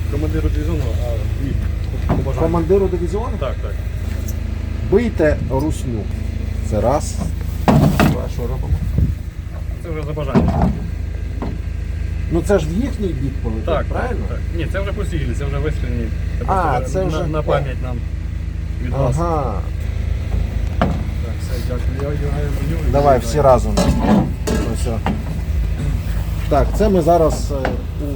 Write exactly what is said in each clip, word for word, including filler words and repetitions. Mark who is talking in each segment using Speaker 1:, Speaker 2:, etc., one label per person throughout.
Speaker 1: командиру дивізіону, а від по бажанню.
Speaker 2: Командиру дивізіону?
Speaker 1: Так, так.
Speaker 2: Бийте русню. Це раз. Два, що робимо?
Speaker 1: Це вже за бажання.
Speaker 2: Ну це ж в їхній бік полетить,
Speaker 1: Так,
Speaker 2: правильно?
Speaker 1: Так, так. Ні, це вже посілі, це вже вистрільні. Це
Speaker 2: А,
Speaker 1: просто
Speaker 2: це
Speaker 1: на,
Speaker 2: вже-
Speaker 1: на пам'ять нам від вас.
Speaker 2: Ага.
Speaker 1: Так, все, дякую. Я одягаю броню.
Speaker 2: Давай всі разом. Ось. о. Так, це ми зараз е, у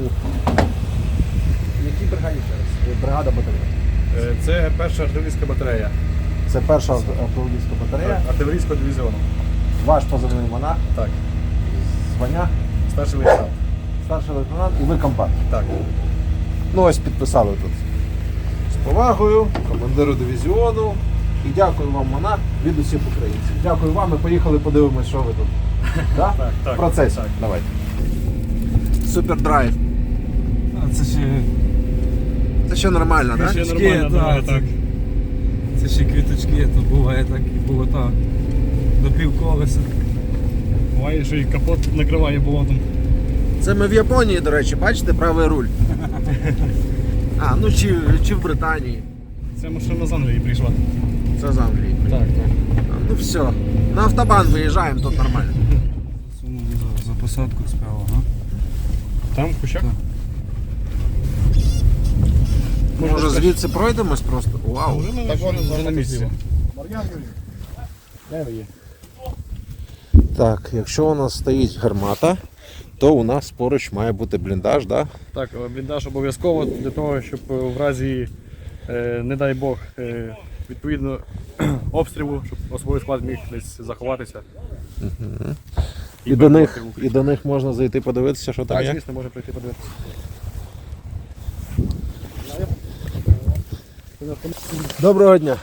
Speaker 2: якій бригаді ще раз? Бригада батарея.
Speaker 1: Е, Це перша артилерійська батарея.
Speaker 2: Це перша артилерійська батарея.
Speaker 1: Так, артилерійського дивізіону.
Speaker 2: Ваш позивний монах,
Speaker 1: Так.
Speaker 2: звання,
Speaker 1: Старший лейтенант.
Speaker 2: старший лейтенант і ви компант.
Speaker 1: Так.
Speaker 2: Ну ось підписали тут. З повагою, командиру дивізіону. І дякую вам, монах, від усіх українців. Дякую вам, ми поїхали подивимось, що ви тут. Да?
Speaker 1: Так, так.
Speaker 2: В процесі.
Speaker 1: Так.
Speaker 2: Давайте. Супердрайв.
Speaker 3: А це ще
Speaker 2: Це ще нормально, так?
Speaker 1: Ще
Speaker 2: Да?
Speaker 1: нормально,
Speaker 3: да,
Speaker 1: да, так.
Speaker 3: це ще квіточки, то буває так і було так. До півколеса.
Speaker 1: Буває, що і капот накриває болотом.
Speaker 2: Це ми в Японії, до речі, бачите, правий руль. А, ну чи, чи в Британії.
Speaker 1: Це машина з Англії прийшла.
Speaker 2: Це з Англії.
Speaker 1: Так, так.
Speaker 2: А, ну все. На автобан виїжджаємо, тут нормально.
Speaker 3: Сунув за, за посадку справа, ага.
Speaker 1: Там в кущах?
Speaker 3: Так.
Speaker 2: Може звідси пройдемось просто? Вау.
Speaker 1: Вже на, вже, вже на місці. Де ви є?
Speaker 2: Так, якщо у нас стоїть гармата, то у нас поруч має бути бліндаж, да?
Speaker 1: Так, бліндаж обов'язково для того, щоб в разі, е, не дай Бог, е, відповідно обстрілу, щоб особовий склад міг десь заховатися.
Speaker 2: Угу. І,
Speaker 1: І
Speaker 2: до них,
Speaker 1: перебувати в
Speaker 2: і
Speaker 1: укритті.
Speaker 2: до них можна зайти подивитися, що там
Speaker 1: Так,
Speaker 2: є?
Speaker 1: звісно, може прийти подивитися.
Speaker 2: Доброго дня.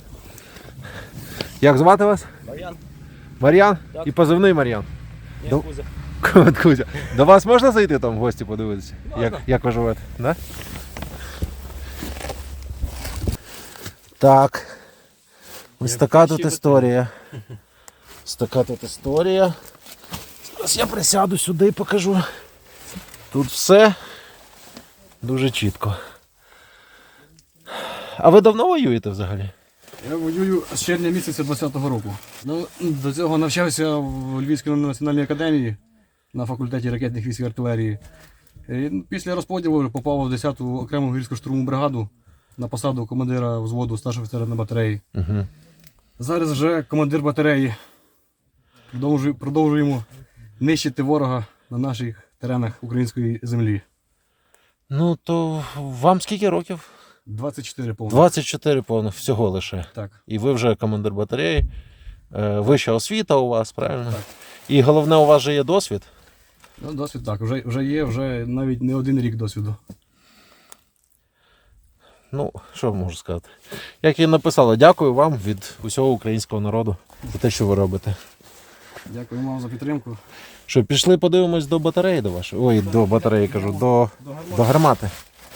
Speaker 2: Як звати вас?
Speaker 4: Мар'ян.
Speaker 2: Мар'ян?
Speaker 4: Так.
Speaker 2: І позивний Мар'ян.
Speaker 4: Ні,
Speaker 2: До-
Speaker 4: Кузя.
Speaker 2: От, Кузя. До вас можна зайти там в гості подивитися?
Speaker 4: Можна.
Speaker 2: Як, як ви живете? Да? Так. Ось така тут історія. Ось така тут історія. Зараз я присяду сюди і покажу. Тут все дуже чітко. А ви давно воюєте взагалі?
Speaker 1: Я воюю з червня місяця двадцятого року. Ну, до цього навчався в Львівській національній академії на факультеті ракетних військ і артилерії. І після розподілу попав в десяту окрему гірську штурмову бригаду на посаду командира взводу старшого офіцера на батареї.
Speaker 2: Угу.
Speaker 1: Зараз вже командир батареї. Продовжує- Продовжуємо нищити ворога на наших теренах української землі.
Speaker 2: Ну то вам скільки років?
Speaker 1: двадцять чотири повно.
Speaker 2: двадцять чотири повних всього лише.
Speaker 1: Так.
Speaker 2: І ви вже командир батареї. Е, Вища освіта у вас, правильно?
Speaker 1: Так.
Speaker 2: І головне, у вас же є досвід.
Speaker 1: Ну, досвід так, вже, вже є, вже навіть не один рік досвіду.
Speaker 2: Ну, що можу сказати. Як і написала, дякую вам від усього українського народу за те, що ви робите.
Speaker 1: Дякую вам за підтримку.
Speaker 2: Що, пішли подивимось до батареї до вашої? Ой, до батареї кажу, до, до гармати.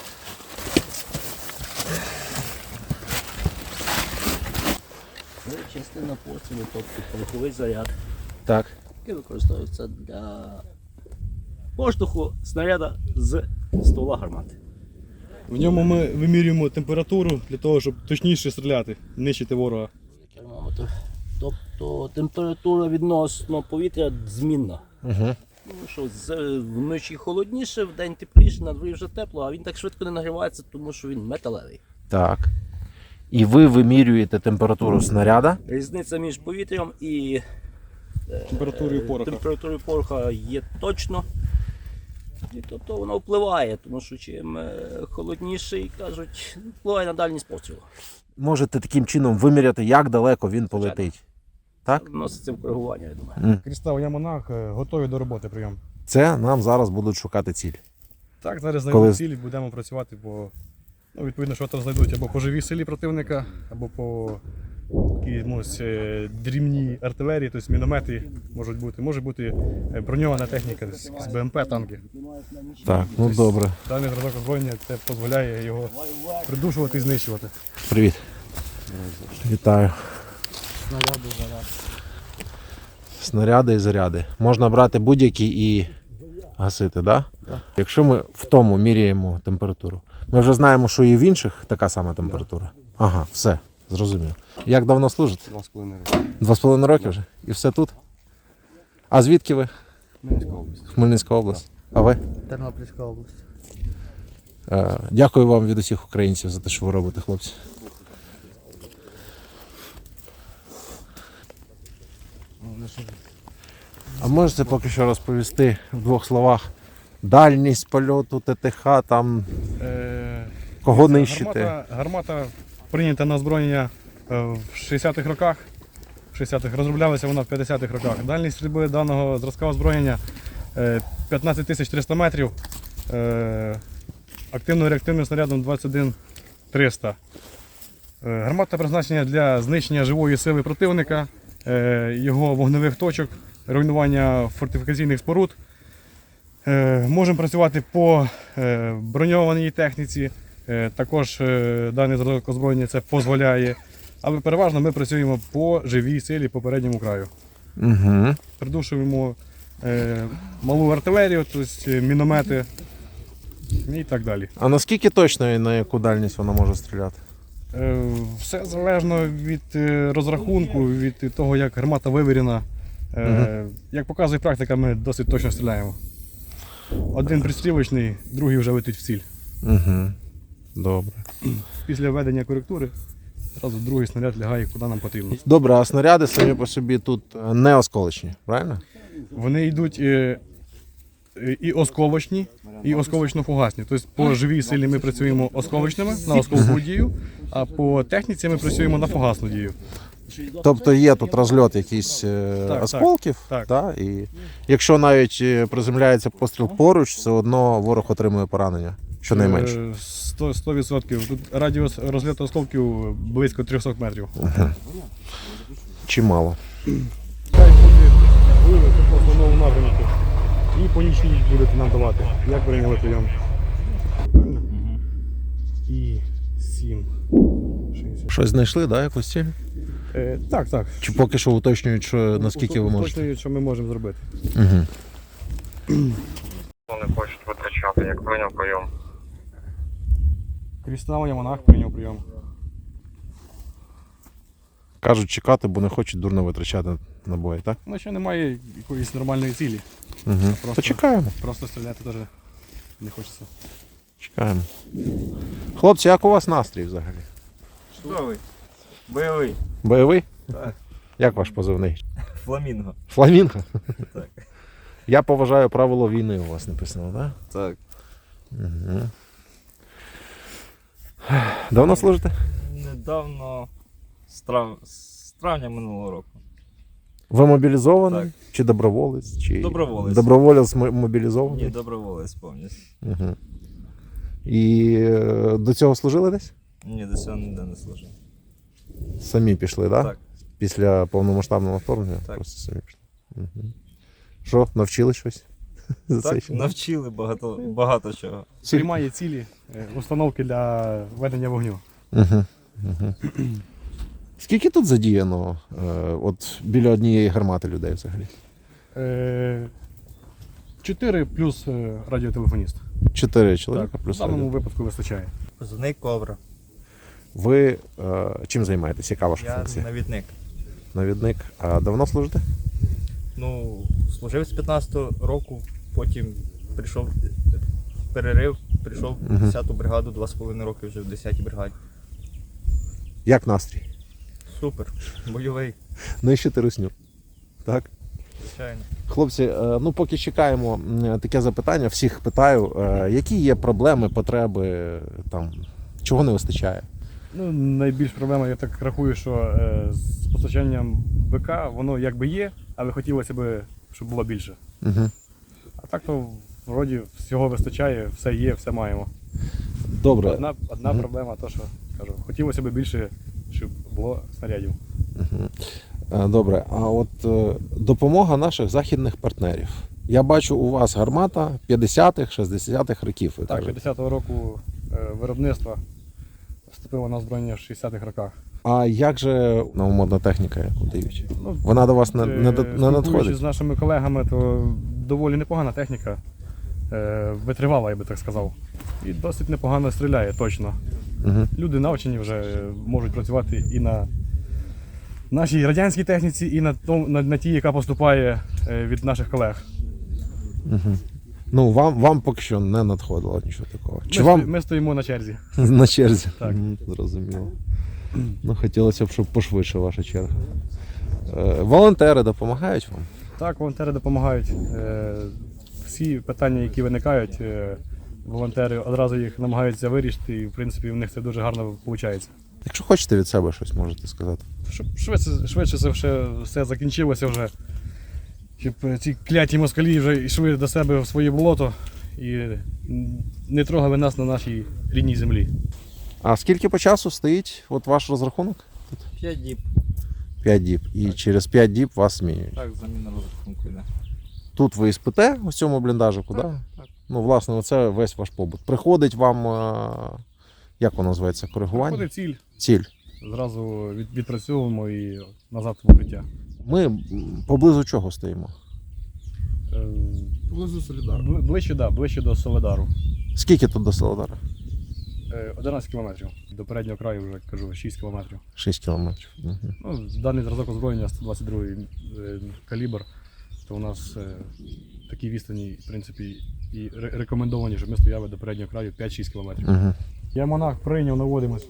Speaker 4: Це частина пострілу, тобто пороховий заряд,
Speaker 2: Так.
Speaker 4: який використовується для поштовху снаряда з ствола гармати.
Speaker 1: В ньому ми вимірюємо температуру для того, щоб точніше стріляти, нищити ворога.
Speaker 4: Термометр. Тобто температура відносно повітря змінна.
Speaker 2: Угу.
Speaker 4: Тому що з- вночі холодніше, вдень тепліше, на дворі вже тепло, а він так швидко не нагрівається, тому що він металевий.
Speaker 2: Так. І ви вимірюєте температуру снаряда.
Speaker 4: Різниця між повітрям і
Speaker 1: Температурою пороха.
Speaker 4: температурою пороха є точно. І тобто воно впливає, тому що чим е, холодніший, кажуть, впливає на дальність пострілу.
Speaker 2: Можете таким чином виміряти, як далеко він полетить. Так?
Speaker 4: Вноситься в коригування, я думаю.
Speaker 2: М.
Speaker 1: Крістал, я монах, готові до роботи прийом.
Speaker 2: Це нам зараз будуть шукати ціль.
Speaker 1: Так, зараз
Speaker 2: Коли-
Speaker 1: знайдемо цілі, будемо працювати по, ну, відповідно, що там знайдуть або по живій силі противника, або по якійсь е, дрібній артилерії, тобто міномети можуть бути. Може бути е, броньована техніка, з БМП, танки.
Speaker 2: Так, ну добре.
Speaker 1: Даний зразок озброєння це дозволяє його придушувати і знищувати.
Speaker 2: Привіт. Вітаю.
Speaker 4: Снаряди, заряд.
Speaker 2: Снаряди і заряди. Можна брати будь-які і Гасити, так? Да?
Speaker 1: Так.
Speaker 2: Якщо ми в тому міряємо температуру, ми вже знаємо, що і в інших така сама температура. Ага, все, зрозумів. Як давно служите?
Speaker 1: Два з половиною роки.
Speaker 2: Два з половиною роки вже? І все тут? А звідки ви?
Speaker 1: Хмельницька область.
Speaker 2: Хмельницька область. А ви?
Speaker 5: Тернопільська область.
Speaker 2: Е, Дякую вам від усіх українців за те, що ви робите, хлопці. А можете поки що розповісти в двох словах дальність польоту ТТХ, там
Speaker 6: Е,
Speaker 2: кого
Speaker 6: це
Speaker 2: нищити?
Speaker 6: Гармата, гармата прийнята на озброєння е, в шістдесятих роках. В шістдесятих розроблялася вона в п'ятдесятих роках. Дальність стрільби даного зразка озброєння е, п'ятнадцять тисяч триста метрів. Е, активно-реактивним снарядом двадцять один триста. Е, гармата призначена для знищення живої сили противника, е, його вогневих точок, руйнування фортифікаційних споруд. Е, Можемо працювати по е, броньованій техніці, е, також е, даний зразок озброєння це дозволяє, але переважно ми працюємо по живій силі по передньому краю.
Speaker 2: Угу.
Speaker 6: Придушуємо е, малу артилерію, тобто міномети і так далі.
Speaker 2: А наскільки точно і на яку дальність вона може стріляти?
Speaker 6: Е, Все залежно від е, розрахунку, від того, як гармата вивірена. Е, Як показує практика, ми досить точно стріляємо. Один пристрілочний, другий вже летить в ціль.
Speaker 2: Угу. Добре.
Speaker 6: Після введення коректури одразу другий снаряд лягає куди нам потрібно.
Speaker 2: Добре, а снаряди самі по собі тут не осколочні, правильно?
Speaker 6: Вони йдуть е, е, і осколочні, і осколочно-фугасні. Тобто по живій силі ми працюємо осколочними на осколкову дію, а по техніці ми працюємо на фугасну дію.
Speaker 2: Тобто є тут розльот якийсь е,
Speaker 6: Так,
Speaker 2: осколків,
Speaker 6: так,
Speaker 2: Та, і якщо навіть е, приземляється постріл поруч, все одно ворог отримує поранення, щонайменше.
Speaker 6: Е, сто- сто відсотків. Тут радіус розльоту осколків близько триста метрів.
Speaker 2: Чимало.
Speaker 6: Хай буде вивод по основному напрямку. І по нічній будете нам давати. Як прийняли прийом? Правильно? І сім. шістдесят.
Speaker 2: Щось знайшли, да, якусь ціль?
Speaker 6: Е, так, так.
Speaker 2: Чи поки що уточнюють, що наскільки ви можете?
Speaker 6: Точно, що ми можемо зробити.
Speaker 2: Угу.
Speaker 7: Вони хочуть витрачати, як прийняв прийом.
Speaker 6: Крісталення монах прийняв прийом.
Speaker 2: Кажуть чекати, бо не хочуть дурно витрачати набої, так?
Speaker 6: Ну, ще немає якоїсь нормальної цілі.
Speaker 2: Угу.
Speaker 6: Просто-
Speaker 2: То чекаємо,
Speaker 6: Просто стріляти теж не хочеться.
Speaker 2: чекаємо. Хлопці, як у вас настрій взагалі?
Speaker 3: Чудовий. Бойовий.
Speaker 2: Бойовий?
Speaker 3: Так.
Speaker 2: Як ваш позивний?
Speaker 3: Фламінго.
Speaker 2: Фламінго?
Speaker 3: Так.
Speaker 2: Я поважаю правило війни, у вас написано, так?
Speaker 3: Так.
Speaker 2: Угу. Давно служите?
Speaker 3: Недавно, з, трав... з травня минулого року.
Speaker 2: Ви мобілізований?
Speaker 3: Так.
Speaker 2: Чи доброволець? Чи...
Speaker 3: Доброволець.
Speaker 2: Доброволець мо- мобілізований?
Speaker 3: Ні, доброволець повністю.
Speaker 2: Угу. І е, до цього служили десь?
Speaker 3: Ні, до цього ніде не служив.
Speaker 2: Самі пішли, так?
Speaker 3: Так.
Speaker 2: Після повномасштабного вторгнення?
Speaker 3: Так.
Speaker 2: Просто самі пішли. Угу. Що, навчили щось? За цей
Speaker 3: Так,
Speaker 2: час?
Speaker 3: навчили багато, багато чого.
Speaker 6: Приймає цілі, е, установки для ведення вогню.
Speaker 2: Угу. Угу. Скільки тут задіяно е, от біля однієї гармати людей взагалі?
Speaker 6: Е, Чотири плюс е, радіотелефоніст.
Speaker 2: Чотири чоловіка
Speaker 6: Так, в
Speaker 2: плюс
Speaker 6: даному
Speaker 2: один.
Speaker 6: випадку вистачає.
Speaker 8: Позивний Кобра.
Speaker 2: Ви е, чим займаєтесь? Яка ваша
Speaker 8: Я
Speaker 2: функція?
Speaker 8: навідник.
Speaker 2: Навідник. А давно служите?
Speaker 8: Ну, служив з п'ятнадцятого року, потім прийшов перерив, прийшов в
Speaker 2: Мгм.
Speaker 8: десяту бригаду, два з половиною роки вже в десятій бригаді.
Speaker 2: Як настрій?
Speaker 8: Супер, бойовий,
Speaker 2: Нищити русню. Так?
Speaker 8: звичайно.
Speaker 2: Хлопці, е, ну поки чекаємо м, таке запитання, всіх питаю, е, які є проблеми, потреби, там, чого не вистачає?
Speaker 6: Ну, найбільш проблема, я так рахую, що е, з постачанням БК воно якби є, але хотілося б, щоб було більше.
Speaker 2: Угу.
Speaker 6: А так то вроді всього вистачає, все є, все маємо.
Speaker 2: Добре.
Speaker 6: Одна, одна
Speaker 2: Мгм.
Speaker 6: проблема, то що кажу, хотілося б більше, щоб було снарядів.
Speaker 2: Угу. Е, Добре, а от е, допомога наших західних партнерів. Я бачу, у вас гармата п'ятдесятих, шістдесятих років. Ви
Speaker 6: Так,
Speaker 2: кажете.
Speaker 6: п'ятдесятого року е, виробництва вступило на озброєння в шістдесятих роках.
Speaker 2: А як же новомодна техніка, яку дають?
Speaker 6: Ну,
Speaker 2: Вона до вас не, не, до-
Speaker 6: Е,
Speaker 2: не
Speaker 6: спілкуючись
Speaker 2: надходить?
Speaker 6: з нашими колегами, то доволі непогана техніка. е, витривала, я би так сказав. І досить непогано стріляє, точно.
Speaker 2: Угу.
Speaker 6: Люди навчені вже е, можуть працювати і на нашій радянській техніці, і на, том- на, на тій, яка поступає е, від наших колег.
Speaker 2: Угу. Ну, вам, вам поки що не надходило нічого такого. Чи
Speaker 6: Ми,
Speaker 2: вам
Speaker 6: сто- ми стоїмо на черзі.
Speaker 2: на черзі?
Speaker 6: Так.
Speaker 2: Мгм, зрозуміло. Ну, хотілося б, щоб пошвидше ваша черга. Е, волонтери допомагають вам?
Speaker 6: Так, волонтери допомагають. Е, Всі питання, які виникають, е, волонтери одразу їх намагаються вирішити, і в принципі в них це дуже гарно виходить.
Speaker 2: Якщо хочете від себе щось можете сказати.
Speaker 6: Щоб швидше, швидше це все, все закінчилося вже, щоб ці кляті москалі вже йшли до себе в своє болото і не трогали нас на нашій рідній землі.
Speaker 2: А скільки по часу стоїть от ваш розрахунок?
Speaker 8: П'ять діб.
Speaker 2: п'ять діб. І через п'ять діб вас змінюють.
Speaker 8: Так, заміна розрахунку йде.
Speaker 2: Тут ви і спите у цьому бліндажику, так?
Speaker 8: Так,
Speaker 2: Да?
Speaker 8: так.
Speaker 2: Ну, власне, оце весь ваш побут. Приходить вам, е, як воно називається, коригування?
Speaker 6: Приходить ціль,
Speaker 2: Ціль.
Speaker 6: зразу від, відпрацьовуємо і назад в укриття.
Speaker 2: Ми м, поблизу чого стоїмо?
Speaker 6: Е,
Speaker 3: Поблизу Солідару.
Speaker 6: бли- Ближче, да, ближче до Соледару.
Speaker 2: Скільки тут до Солодара?
Speaker 6: Е, одинадцять кілометрів. До переднього краю вже кажу шість кілометрів.
Speaker 2: шість кілометрів. Угу.
Speaker 6: Ну, даний зразок озброєння сто двадцять другий е, калібр, то у нас е, такі відстані, в принципі, і ре- рекомендовані, щоб ми стояли до переднього краю п'ять-шість кілометрів.
Speaker 2: Угу.
Speaker 6: Я монах прийняв, наводимось.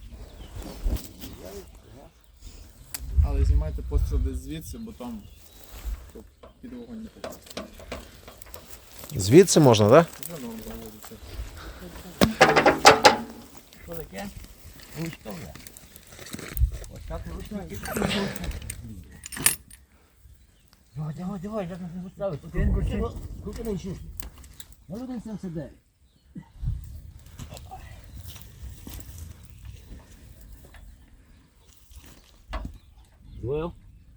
Speaker 5: Але знімайте постріл десь звідси, бо там щоб під вогонь не попасти.
Speaker 2: Звідси можна, так? Да?
Speaker 5: Вже норм заводиться.
Speaker 4: Що таке? Гуськове. Ось так ручники. Давай, давай, давай, як нас не поставити. Ти крути, крути на щось. Я один сам сидаю. Двоє.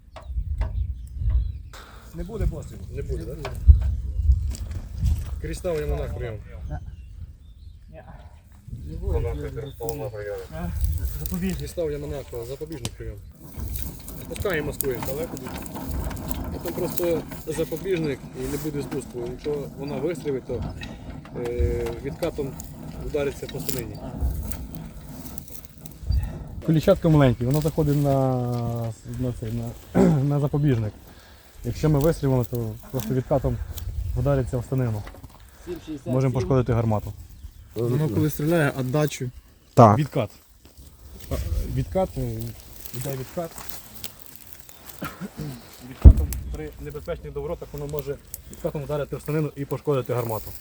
Speaker 6: Не буде пострілу? Не буде, так? Крістав я монах прийом. Крістав я монах, запобіжник прийом. Пускаємо маскуємо далеко буде. Потім просто запобіжник і не буде спуску. Якщо вона вистрілить, то е, відкатом удариться по станині. Колічатка маленьке, воно заходить на, на, цей, на, на запобіжник. Якщо ми вистрілимо, то просто відкатом вдариться в станину. Можемо пошкодити гармату.
Speaker 5: Воно коли стріляє, віддачу.
Speaker 2: Так.
Speaker 6: Відкат. А, Відкат, е, йде відкат. Відкатом при небезпечних доворотах воно може відкатом вдарити в станину і пошкодити гармату.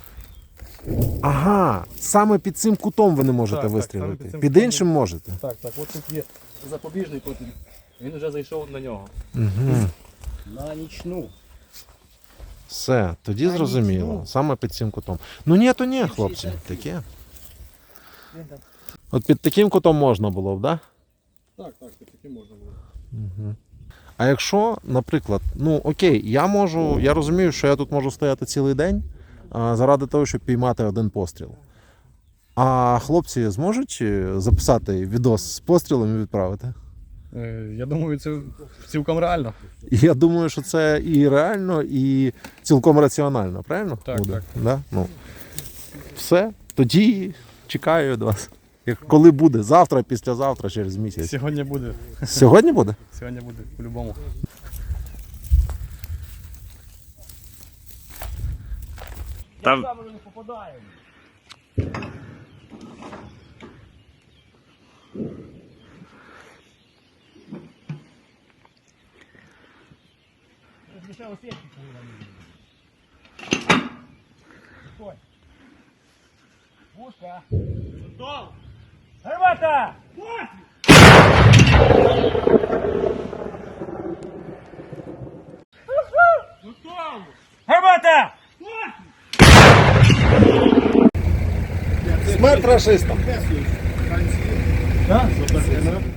Speaker 2: Ага, саме під цим кутом ви не можете
Speaker 6: Так, так,
Speaker 2: вистрілити.
Speaker 6: саме під цим
Speaker 2: Під
Speaker 6: кутом.
Speaker 2: іншим можете.
Speaker 6: Так, так, от тут є запобіжний потім. Він вже зайшов на нього.
Speaker 2: Угу.
Speaker 4: На нічну.
Speaker 2: Все, тоді зрозуміло. Саме під цим кутом. Ну ні, то ні, хлопці, таке. От під таким кутом можна було б, так? Да?
Speaker 6: Так, так, таки можна було.
Speaker 2: Угу. А якщо, наприклад, ну окей, я можу, я розумію, що я тут можу стояти цілий день а, заради того, щоб піймати один постріл. А хлопці зможуть е, записати відос з пострілом і відправити?
Speaker 6: Е, я думаю, це цілком реально.
Speaker 2: І я думаю, що це і реально, і цілком раціонально, правильно?
Speaker 6: Так,
Speaker 2: буде?
Speaker 6: так.
Speaker 2: Да? Ну, все, тоді чекаю від вас. Як коли буде? Завтра, післязавтра, через місяць.
Speaker 6: Сьогодні буде.
Speaker 2: Сьогодні буде?
Speaker 6: Сьогодні буде по-любому.
Speaker 4: Там...
Speaker 9: Гармата! Гармата!
Speaker 2: Смерть рашистам!
Speaker 6: Так?